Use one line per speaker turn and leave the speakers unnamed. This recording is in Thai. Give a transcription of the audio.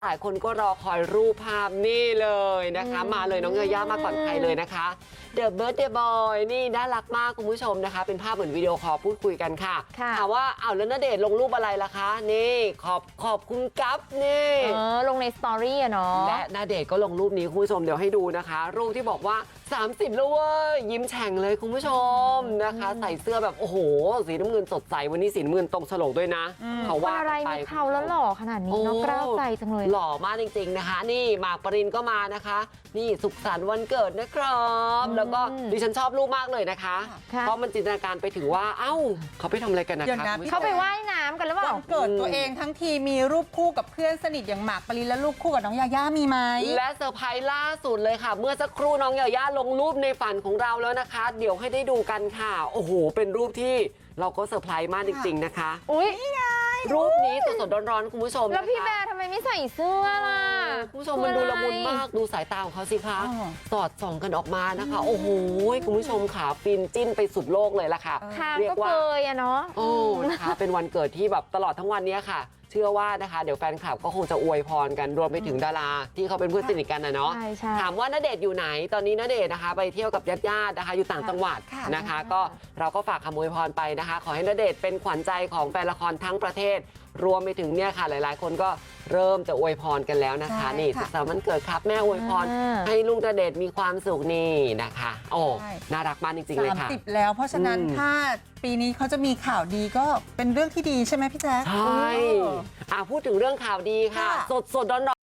หลายคนก็รอคอยรูปภาพนี่เลยนะคะมาเลยน้องยาย่ามาก่อนใครเลยนะคะ The Birthday Boy นี่น่ารักมากคุณผู้ชมนะคะเป็นภาพเหมือนวิดีโอคอลพูดคุยกันค่ะถามว่าอ้าวแล้วณเดชน์ลงรูปอะไรล่ะคะนี่ขอบคุณกั๊บนี่
ลงในสตอรี่อะเนาะ
และณเดชน์ก็ลงรูปนี้คุณผู้ชมเดี๋ยวให้ดูนะคะรูปที่บอกว่า30แล้วเว้ยยิ้มแฉ่งเลยคุณผู้ชมนะคะใส่เสื้อแบบโอ้โหสีน้ำเงินสดใสวันนี้สีน้ำเงินตรงฉลกด้วยนะเขาว่า
อะไรมีเขาแล้วหล่อขนาดนี้เนาะกล้าวใจจังเลย
หล่อมากจริงๆนะคะนี่หมากปรินก็มานะคะนี่สุขสันต์วันเกิดนะครับแล้วก็ดิฉันชอบรูปมากเลยนะคะเพราะมันจินตนาการไปถึงว่าเอ้าเขาไปทำอะไรกันนะคะ
เขาไปว่ายน้ำกันหรือเปล่า
วันเกิดตัวเองทั้งทีมีรูปคู่กับเพื่อนสนิทอย่างหมากปรินและรูปคู่กับน้องยาย่ามีไหม
และเซอร์ไพรส์ล่าสุดเลยค่ะเมื่อสักครู่น้องยาย่าลงรูปในฝันของเราแล้วนะคะเดี๋ยวให้ได้ดูกันค่ะโอ้โหเป็นรูปที่เราก็เซอร์ไพรส์มากจริงๆนะคะ
อุ้ย
รูปนี้สดๆร้อนๆคุณผู้ชม
แล้วพี่แบร์ทำไมไม่ใส่เสื้อล่ะ
คุณผู้ชมมันดูละมุนมากดูสายตาของเขาสิคะสอดส่องกันออกมานะคะโอ้โหคุณผู้ชมค่ะฟินจิ้นไปสุดโลกเลยล่ะค่ะ
เรียกว่าเคยอะเนาะ
โอ้นะคะเป็นวันเกิดที่แบบตลอดทั้งวันนี้ค่ะเชื่อว่านะคะเดี๋ยวแฟนคลับก็คงจะอวยพรกันรวมไปถึงดาราที่เขาเป็นเพื่อนสนิทกันนะเนาะถามว่าณเดชน์อยู่ไหนตอนนี้ณเดชน์นะคะไปเที่ยวกับญาติๆนะคะอยู่ต่างจังหวัดนะคะก็เราก็ฝากคำอวยพรไปนะคะขอให้ณเดชน์เป็นขวัญใจของแฟนละครทั้งประเทศรวมไปถึงเนี่ยค่ะหลายๆคนก็เริ่มจะอวยพรกันแล้วนะคะนี่สุขสันต์วันเกิดครับแม่อวยพรให้ลูกณเดชน์มีความสุขนี่นะคะโอ้น่ารักมากจริงๆเลยค่ะ
30แล้วเพราะฉะนั้นถ้าปีนี้เขาจะมีข่าวดีก็เป็นเรื่องที่ดีใช่ไหมพี่แจ๊ค
ใช่พูดถึงเรื่องข่าวดีค่ะสดๆร้อน